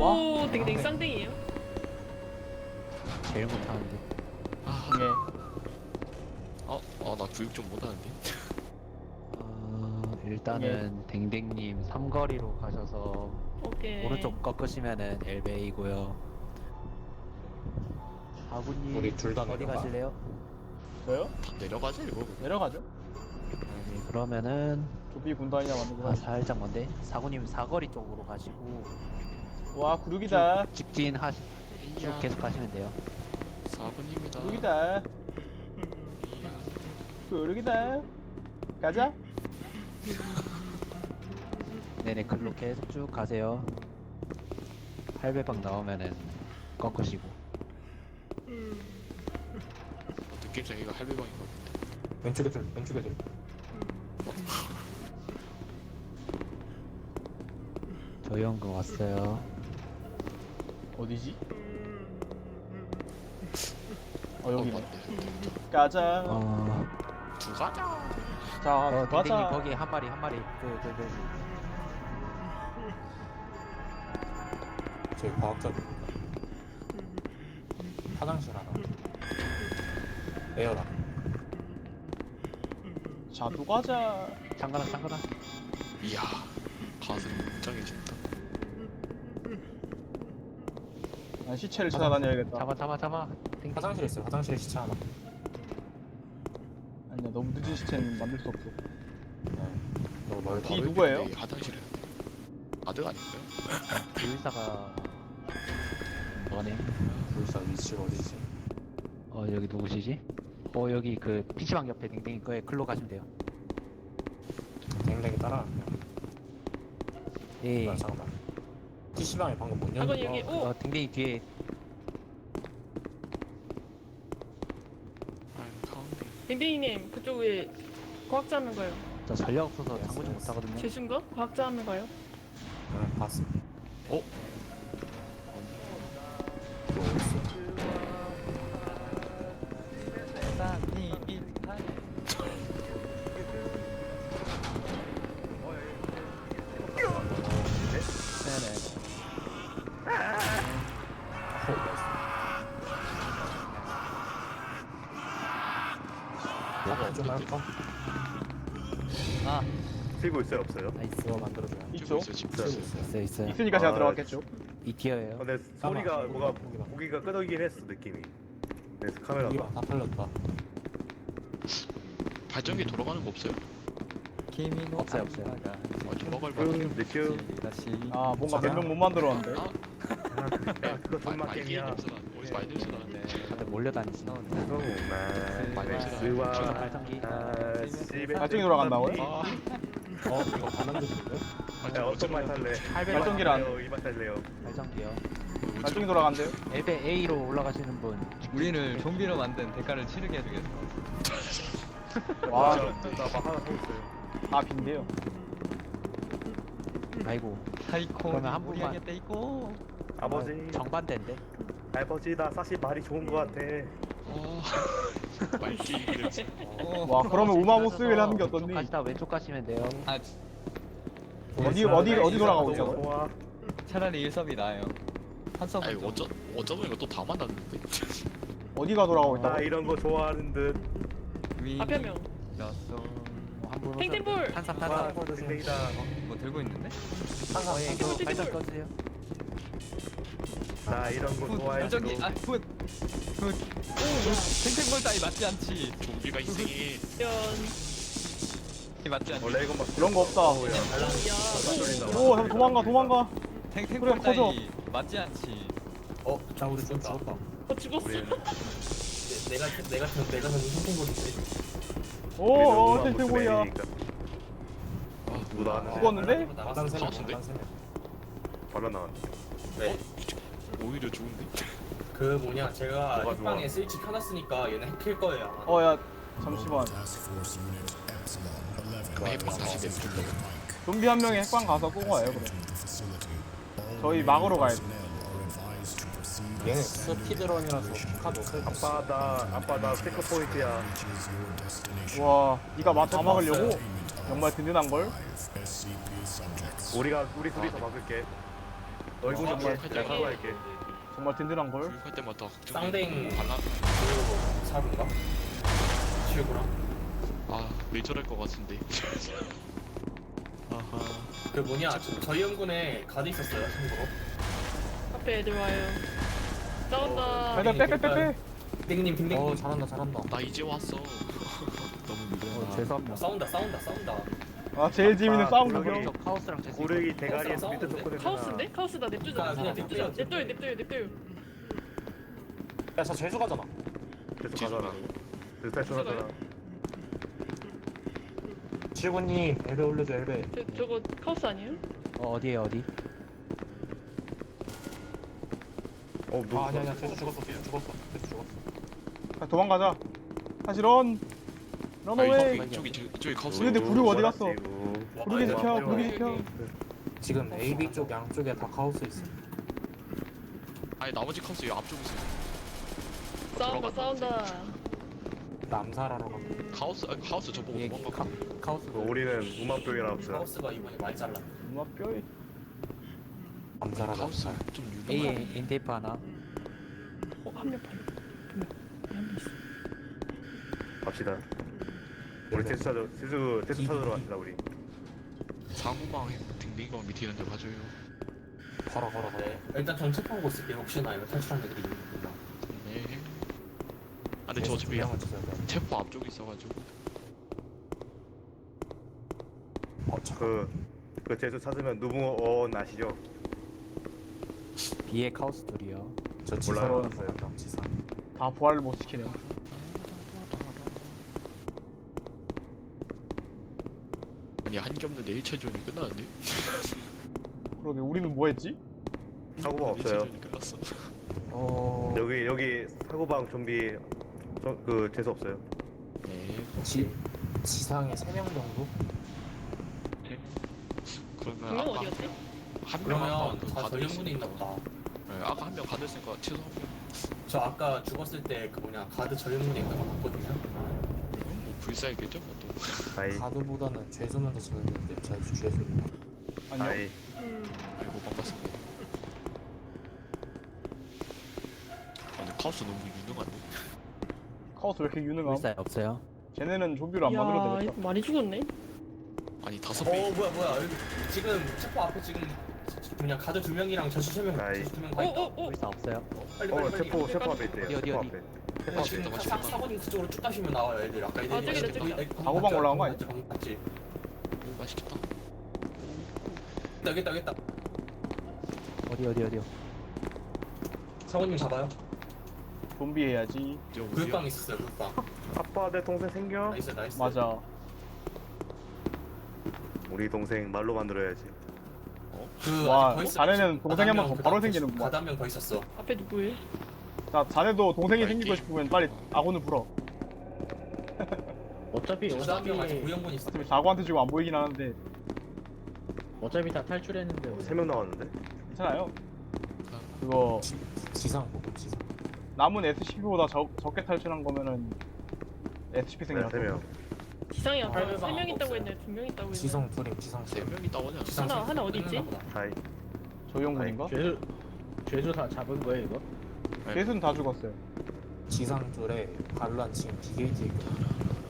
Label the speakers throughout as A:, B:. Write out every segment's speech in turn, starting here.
A: 오, 댕댕 쌍댕이에요.
B: 제일 못하는데.
C: 네.
D: 나 교육 좀 못하는데.
B: 일단은 댕댕님 삼거리로 가셔서
A: 오케이.
B: 오른쪽 꺾으시면은 엘베이고요. 아군님
E: 우리 둘다
B: 어디
E: 내려가?
B: 가실래요?
C: 저요?
D: 다 내려가자 이거.
C: 내려가죠.
B: 네, 그러면은
C: 조비 군단이나 만들고.
B: 살짝 먼데 사군님 사거리 쪽으로 가시고
C: 와 구르기다.
B: 직진 쭉 계속 가시면 돼요.
D: 4분입니다.
C: 구르기다. 구르기다. 가자.
B: 네네 글로 계속 쭉 가세요. 할배방 나오면은 꺾으시고.
D: 느낌상 이거 할배방인 것 같은데.
E: 왼쪽에 둘, 왼쪽에 둘.
B: 저희 연금 왔어요.
C: 어디지? 여기네.
D: 맞네.
C: 가자.
D: 두 가자.
C: 자
B: 댕댕님
C: 가자.
B: 거기 한 마리
E: 저희 과학자들. 화장실 하나. 에어라.
C: 자 또 가자.
B: 잠가라.
D: 이야, 가슴이 웅장해진다.
C: 난 시체를 찾아다녀야겠다.
B: 잡아. 댕댕.
E: 화장실에 있어요. 화장실에 시체 하나.
C: 아니야 너무 늦은 시체는 만들 수 없어.
E: 네. 너무 멀다.
C: 뒤 누구예요?
D: 화장실에. 아들 아닌가요?
B: 의사가 뭐네?
E: 불사 위치가 어디지?
B: 여기 누구시지? 여기 그 PC방 옆에 댕댕이 거에 글로 가시면 돼요.
E: 댕댕이 따라갈게요.
B: 예.
E: 아, 잠깐만. PC방에 방금 문
A: 아건
E: 열린
A: 여기
E: 거.
A: 오.
B: 댕댕이 뒤에
D: 가운데.
A: 댕댕이님 그쪽에 과학자 하면 가요.
B: 저 전력 없어서 장구 좀 못하거든요.
A: 재수인가? 과학자 하면 가요.
E: 네, 봤습니다.
B: 네네.
E: 뭐가 좀 할까?
B: 아
F: 들고 있어요, 없어요?
B: 나이스.
E: 그거 만들어줘요.
C: 있죠?
B: 있어요.
C: 있으니까 제가
F: 아,
C: 들어갔겠죠.
B: 이 티어예요.
F: 근데 소리가 뭐가 고기가 끄덕이긴 했어, 느낌이. 그래서 카메라가.
E: 다 팔렸다.
D: 발전기 돌아가는 거 없어요?
B: 없어요.
D: 돌아갈
F: 느낌.
C: 아 뭔가 몇 명 못 만들었는데.
F: 야, 그거 정말 게임이야.
D: 어디서 많이 냄새 나는데.
B: 다들 몰려다니시네.
F: 정말
B: 저거
F: 스와
B: 발전기.
C: 발전기 돌아간다고요?
E: 이거 다 만들었는데?
F: 야, 어떤 말 탈래?
C: 발전기를 안.
F: 이말 탈래요.
B: 발전기요.
C: 발전기 돌아간대요?
B: 엘베 A로 올라가시는 분.
G: 우리를 좀비로 만든 대가를 치르게 해주겠어.
C: 와,
F: 나막 하나 더 있어요.
C: 다 빈대요.
B: 아이고
G: 사이코
B: 그러면 한
G: 우리
B: 분만.
G: 하겠다 있고.
F: 아버지,
B: 정반대인데.
F: 아버지, 나 사실 말이 좋은 거 같아.
D: 말기 냄새.
C: 와, 그러면 우마모스를 하는 게 어떻니?
B: 가시다 왼쪽 가시면 돼요.
G: 아
C: 어디 돌아가고 있어?
F: 너무 좋아.
G: 차라리 일섭이 나아요. 한섭은
D: 아니
G: 좀
D: 어쩌보니까 또 다 만났는데.
C: 어디가 돌아가고
F: 나
C: 있다고?
F: 이런 거 좋아하는 듯.
A: 앞에 한 명.
G: 였어.
B: 한분
A: 탱탱볼!
B: 탄삼.
F: 와, 댕댕이다.
G: 뭐 들고 있는데?
B: 탱탱볼 발전 꺼주세요.
F: 나 이런 거 좋아해.
G: 발전기 굿. 탱탱볼 따위 맞지 않지.
D: 좀비가 희생해.
G: 맞지 않지.
F: 원래 이건 막
C: 그런 거 없다.
F: 오야.
A: 야,
C: 오, 잠깐 도망가.
G: 탱탱볼
C: 그래, 커져.
G: 따위 맞지 않지.
E: 자, 우리 좀 죽었다.
A: 죽었어.
E: 내가 선생님인데.
C: 오, 탱탱볼이야.
F: 누구 나왔는데?
C: 죽었는데?
E: 마당 세명,
D: 사왔는데?
E: 마당 세명.
F: 바로 나왔네.
D: 오히려 좋은데.
H: 그 뭐냐 제가
F: 뭐가
H: 핵방에
F: 좋아?
H: 스위치 켜놨으니까 얘네 핵킬 거예요.
C: 야, 잠시만.
D: 그럼 해방 다시 내줄래.
C: 좀비 한 명이 핵방 가서 끄고 와요, 그래. 저희 막으러 가야 돼.
E: 얘네 스피드런이라서 카드 없을 것 같아.
F: 아빠 나 체크 포인트야.
C: 와, 니가 다 막으려고? 정말 든든한 걸.
F: 우리 둘이서 막을게. 얼굴 좀
D: 할
F: 내가
D: 때마다
F: 사과할게.
C: 정말 든든한 걸.
D: 할 때마다
H: 쌍댕
D: 발라.
H: 그 사군가? 치우구나.
D: 아 메이저랄 것 같은데. 아하.
H: 그 뭐냐 저희 연군에 가드 있었어요 참고로.
A: 앞에 애들 와요. 싸운다.
C: 빼빼 빼빼빼.
H: 땡님 딩땡님.
E: 잘한다.
D: 나 이제 왔어. 너무 느려.
B: 죄송합니다.
H: 싸운다.
C: 아 제일 재밌는 싸움
F: 고르기.
C: 구경.
B: 저 카오스랑 제스.
F: 고르기 대가리에서 밑에
H: 싸우는데?
F: 줬거든.
A: 카오스인데? 카오스다 냅두자.
H: 아, 그냥 냅두자.
A: 냅둬요.
E: 야저 재수 가잖아.
F: 계속 가잖아. 계속 탈출하잖아.
E: 칠구님 엘베 올려줘 엘베.
A: 저거 카오스 아니에요?
B: 어디에요 어디?
F: 뭐.
E: 아니야 재수 죽었어.
C: 자, 도망가자. 다시 런.
D: 아니
C: 런어웨이.
D: 저기 가서.
C: 근데 구류 어디 갔어?
F: 뭐
C: 구르기 지켜. 구르기 지켜.
E: 지금 AB 쪽 양쪽에 다 카오스 있어.
D: 아니 나머지 카우스 이 앞쪽에 있어.
A: 싸운다.
E: 남살하러 가.
D: 카우스 저보고
B: 예,
D: 도망가.
E: 카오스로
F: 우리는 우마병이라 없어.
H: 하우스가 이번에 많이 잘라.
C: 누나 뼈에.
E: 남살하러
D: 카우스
E: 가.
D: 좀
B: A
D: 유명한.
B: 인테이프 하나.
A: 한명 팔려. 한명 있어.
F: 갑시다. 우리 테스트 찾으러 갑시다 우리.
D: 상호망 딩딩방 밑에 있는 데 가져요.
E: 걸어.
H: 네. 일단 전 체크하고 있을게요. 혹시나 이거 탈출한 애들이 있나.
D: 네. 아 근데 저 어차피
E: 을 주세요.
D: 체포 앞쪽에 있어가지고.
F: 그 재수 찾으면 누붕어 아시죠?
B: B에 카오스 둘이요.
E: 저
F: 몰라요.
E: 지사로 지사.
C: 다 부활을 못 시키네.
D: 아니 한게 없는데 1차전이 끝나는데?
C: 그러게 우리는 뭐 했지?
F: 사고방 없어요.
D: 1차전이 끝났어.
F: 여기 사고방 좀비 그 재수 없어요.
D: 네.
E: 지상에 3명 정도?
D: 그러면
A: 분명
D: 아까
A: 어디였지?
D: 한
H: 그러면
D: 명은
H: 다 저희 연군에 있나 보다.
D: 네, 아까 한 명 가드했으니까 최소 한 명.
H: 저 아까 죽었을 때 그 뭐냐 가드 저희 연군에 있는 거 봤거든요.
D: 뭐 불사이겠죠? 또.
F: 아이
E: 가드보다는 죄수만 더 잘했는데 죄수.
C: 아니요.
F: 아이
D: 아이고 반갑습니다. 근데 카우스 너무 유능한데?
C: 카오스 왜 이렇게 유능함?
B: 불사에 없어요.
C: 쟤네는 좀비로 안 만들어도 되겠다.
A: 이거 많이 죽었네.
D: 아니 5명.
H: 뭐야 여기 지금 체포 앞에 지금 그냥 가드 2명이랑 저수 3명
F: 아이.
H: 저수 2명 가 있다.
B: 불사 없어요.
H: 빨리
F: 체포 앞에 있대요.
B: 어디?
F: 체포 앞에.
D: 아,
H: 지금
D: 맞습니다.
H: 사모님 그쪽으로 쭉 가시면 나와요 애들. 아까 애들이
A: 아, 저기다.
C: 사고방 올라간 거 아니야?
H: 맞지?
D: 오 맛있겠다.
H: 여기다.
B: 어디요?
H: 사모님 잡아요.
C: 좀비 해야지.
H: 교육방 있었어요 교육방.
F: 아빠 내 동생 생겨?
H: 나이스.
C: 맞아.
F: 우리 동생 말로 만들어야지.
H: 그
C: 와,
H: 아직 더 있어요.
C: 자네는 동생이 한번 더
H: 가드
C: 바로
H: 한 명,
C: 생기는구만.
H: 가드 한명 더 있었어.
A: 앞에 누구예요?
C: 자, 자네도 동생이
D: 파이팅.
C: 생기고 싶으면 빨리 아군을 불어.
I: 어차피
H: 가드 한명 아직 구형분 있어.
C: 어차피 자고한테 지금 안 보이긴 하는데
I: 다 탈출했는데
F: 3명 나왔는데?
C: 괜찮아요. 그거
E: 지상 보고 지상.
C: 남은 SCP보다 적게 탈출한 거면은 SCP
F: 네,
C: 생이라서.
F: 3명.
A: 지상이 아까
H: 팔배방
A: 3명 있다고
H: 없어요.
A: 했는데 2명 있다고 했는데.
E: 지상 둘임 지상.
D: 3명이 따오냐?
A: 하나 어디 있지?
F: 아이
C: 조용군인가?
I: 죄수 다 잡은 거예요 이거?
C: 셋은 다 죽었어요.
E: 지상 둘에 반란 지금 BKT 있거든.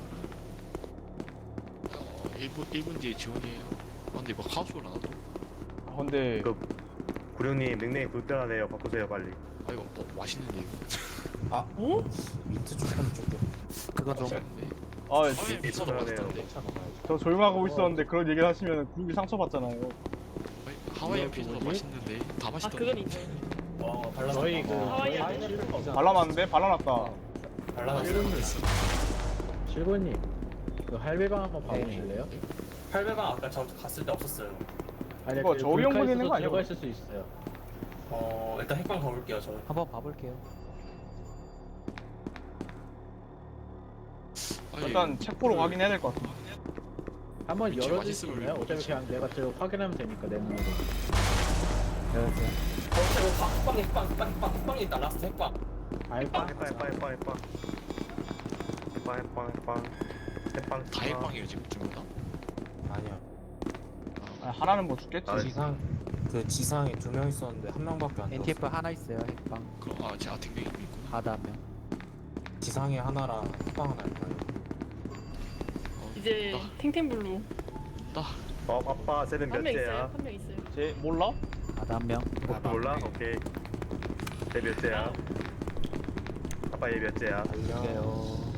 D: 1분 뒤에 지원이에요. 아 근데 이거 카우스를 안 하죠?
C: 아, 근데
F: 그 구룡님 닉네임 불편하네요. 바꾸세요 빨리.
D: 아 이거 맛있는데 이거.
A: 어?
E: 민트 조금 조금.
B: 그거 좀
D: 맛있는데?
C: 아,
D: 미쳐도 맛있던데.
E: 차 먹어야지.
C: 저 조용하고 있었는데 그런 얘기를 하시면 굴비 상처받잖아요.
D: 아니, 하와이안 피자도 맛있는데 다
A: 아
D: 맛있던데.
A: 그건 있네.
H: 발라놨다.
I: 저희
A: 하와이안
C: 발라놨는데 발라놨다.
H: 발라놨어.
I: 실고님 그 할배방 한번 봐보실래요?
H: 800방 아까 저 갔을 때 없었어요.
I: 아니
C: 이거 저희
I: 불카
C: 연구에 있는
I: 있어서
C: 거 아니야?
I: 들어가 있을 수 있어요.
H: 일단 핵방 가볼게요 저.
B: 한번 봐볼게요.
D: 아니,
C: 일단 책 보러 확인해야 될 것 같아.
I: 한번
D: 위치
I: 열어줄 수
D: 맛있으면
I: 있나요? 어차피 그냥 내가 저 확인하면 되니까 내 눈으로.
B: 열어주세요.
H: 핵방에 있다 라스트 핵방.
I: 알바?
F: 해빵.
D: 다 해방이에요 지금 다.
E: 아니야.
C: 아, 하나는 뭐 죽겠지.
F: 아,
E: 지상 그 지상에 2명 있었는데 1명밖에 안
B: NTF
E: 들었어.
B: 하나 있어요. 핵방.
D: 그럼 제가 댕댕이 있구나.
B: 바다 한 명.
E: 지상에 하나랑 후방 하나 있어요.
A: 이제 탱탱블루
F: 아빠 쟤는
A: 한 명 있어요.
F: 몇째야?
A: 한 명 있어요.
C: 제 몰라?
B: 바다 한 명.
F: 몰라? 오케이. 쟤 몇째야? 아빠 얘 몇째야?
E: 달려.
B: 이게요.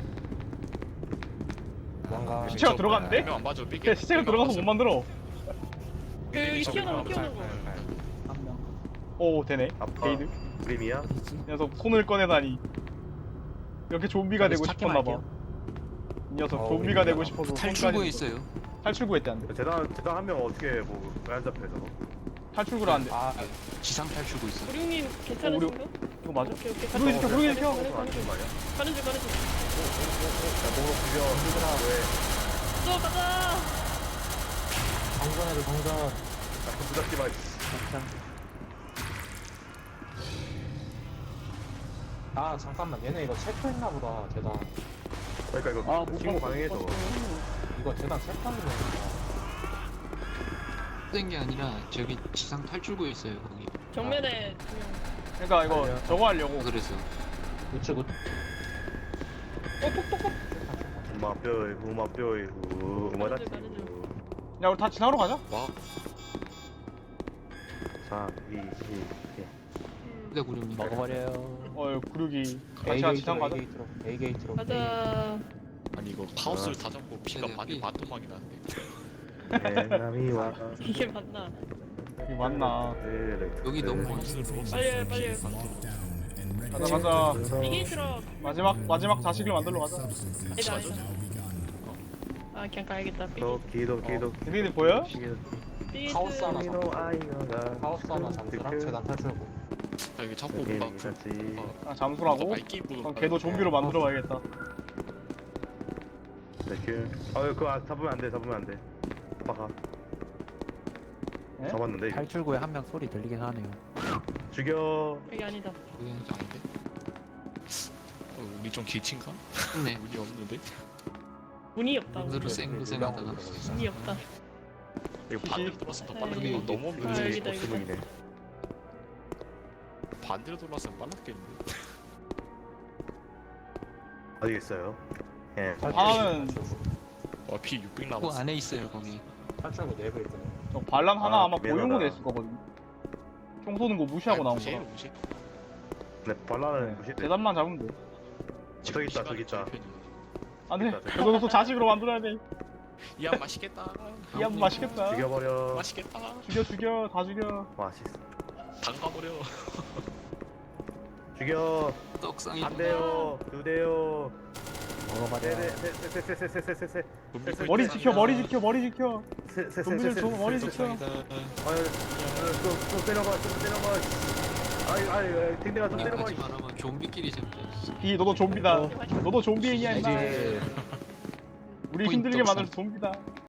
E: 뭔가
C: 시체가 들어갔는데?
D: 안 맞아. 삐게.
C: 걔 시체가 들어가서 못 만들어.
A: 여기 튀어나와
B: 한 명.
C: 오 되네.
F: 아빠
C: 게이드.
F: 그림이야?
C: 이 녀석 손을 꺼내다니. 이렇게 좀비가 되고
B: 찾기
C: 싶었나봐.
B: 말게요.
C: 이 녀석
E: 어,
C: 좀비가
E: 우리가
C: 되고 싶어서
G: 탈출구에
C: 손까지
G: 있어요.
C: 탈출구했대 안 돼.
F: 재단 한 명 어떻게 왜안 잡혀 저거?
C: 탈출구를 안 돼.
E: 아
G: 지상 탈출구 있어.
A: 우리님 괜찮으신가?
C: 이거 맞아?
A: 오케이 오케이.
C: 부르기 시켜, 부르기 시켜.
A: 가는 중 가는 중.
F: 말이야?
A: 가는 중 가는 중.
F: 야 목으로 비벼 힘들어 왜?
A: 또 가자.
E: 정전해도 정전.
F: 자꾸 부닥지 마.
E: 아 잠깐만 얘네 이거 체크했나 보다 재단.
F: 그러니까 이거 신고 가능해 저거.
E: 이거 재단 체크하는 거니까.
G: 된 게 아니라 저기 지상 탈출구에 있어요 거기.
A: 정면에 두 명.
C: 그러니까 이거 저거 하려고.
G: 그래서
E: 우측 우측.
F: 우마뼈에 우마뼈에 우마다치.
A: 가는 중.
C: 야 우리 다 지나러 가자.
D: 와.
F: 3, 2, 1.
G: 근데 구름님
B: 먹어버려요.
C: 구르기.
E: A
C: 같이 지상 가자.
E: 게이트로 A 게이트로.
A: 가자.
D: 아니 이거 카오스를 다 잡고 피가
G: 네네.
D: 반토막이 나는데.
F: 에나미와
A: 이게 맞나?
C: 이게 맞나?
G: 여기 너무 멀어요.
A: 빨리 빨리.
C: 가자 가자.
A: 이게 들어.
C: 마지막 자식을 만들러 가자.
A: 아니다 아니다. 아 그냥 가야겠다.
F: 기도
C: 걔네들 보여?
A: 삐스.
E: 카오스 하나
F: 미노 아이가
E: 하우스 하나 잠수랑 재단 탈출구.
D: 여기 자꾸 막
C: 아 잠수라고?
D: 말기부.
C: 그럼 걔도 좀비로 만들어 봐야겠다.
F: 그거 잡으면 안돼 잡으면 안돼 아빠가
C: 네?
F: 잡았는데 이거.
B: 탈출구에 한 명 소리 들리긴 하네요.
F: 죽여
A: 여기 아니다.
G: 거기는
D: 아닌데? 우리 좀 길친가?
G: 네.
D: 운이 없는데?
A: 문이 없다.
G: 눈으로 쌩글쌩하다가
A: 문이 없다.
D: 이거 반대로 돌았으면 더 빨랐겠네.
A: 여기.
D: 이거 너무
A: 아,
D: 없는데.
A: 여기다, 여기다.
F: 주문이네
D: 반대로 돌았으면 빨랐겠는데.
F: 어디 있어요? 예
C: 하나는
D: 피 600
G: 그
D: 남았어.
G: 안에 있어요 거기.
E: 탈출구 내부 있거든.
C: 저 반란 하나
F: 아,
C: 아마
F: 미안하다.
C: 고용으로 했을 거거든. 총 쏘는 거 무시하고 나온
D: 무시해,
C: 거야.
D: 무시.
F: 네 발라는 무시
C: 재단만 잡으면 돼.
F: 저기 있다 저기 있다
C: 안 돼.
F: 됐다, 됐다.
C: 그거 또 자식으로 만들어야 돼.
D: 이야 맛있겠다.
C: 이 한 맛있겠다.
F: 죽여버려
D: 맛있겠다.
C: 죽여 다 죽여.
F: 맛있어
D: 담가버려.
F: 죽여
G: 떡상이.
F: 안 돼요 두 대요
B: 먹어버려.
F: 세세세세세세세세세
C: 머리 지켜 머리 지켜 머리 지켜.
F: 세세세세세
C: 좀비들 줘 머리 지켜.
D: 떡상이다.
F: 좀 때려봐 좀 때려봐 아이 댕댕아 좀 때려봐
G: 하지 말아면 좀비끼리 잡자.
C: 이 너도 좀비다. 너도 좀비 애니야 임마.
F: 이제
C: 우리 힘들게 만들어서 좀비다.